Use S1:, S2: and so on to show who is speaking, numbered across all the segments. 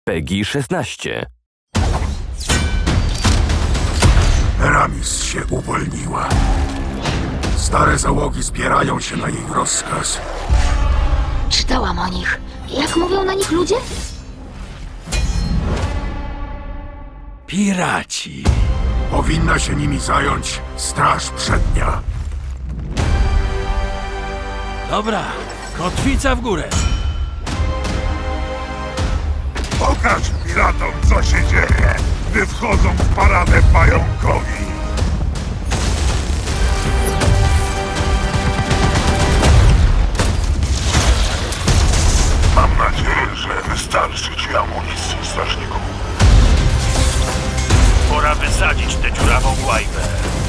S1: PEGI 16.
S2: Eramis się uwolniła. Stare załogi zbierają się na jej rozkaz.
S3: Czytałam o nich. Jak mówią na nich ludzie?
S4: Piraci.
S2: Powinna się nimi zająć Straż Przednia.
S4: Dobra, kotwica w górę.
S2: Pokaż piratom, co się dzieje, gdy wchodzą w paradę pająkowi. Mam nadzieję, że wystarczy ci amunicji, strażniku.
S5: Pora wysadzić tę dziurawą łajbę.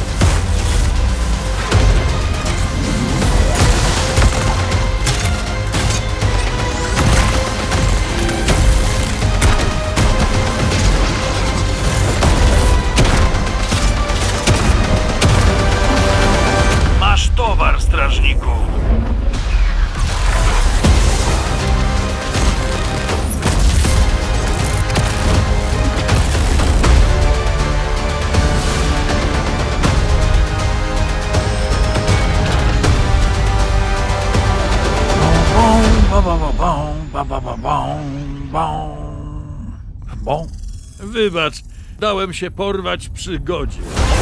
S5: Masz towar, strażniku.
S4: Wybacz, dałem się porwać przygodzie.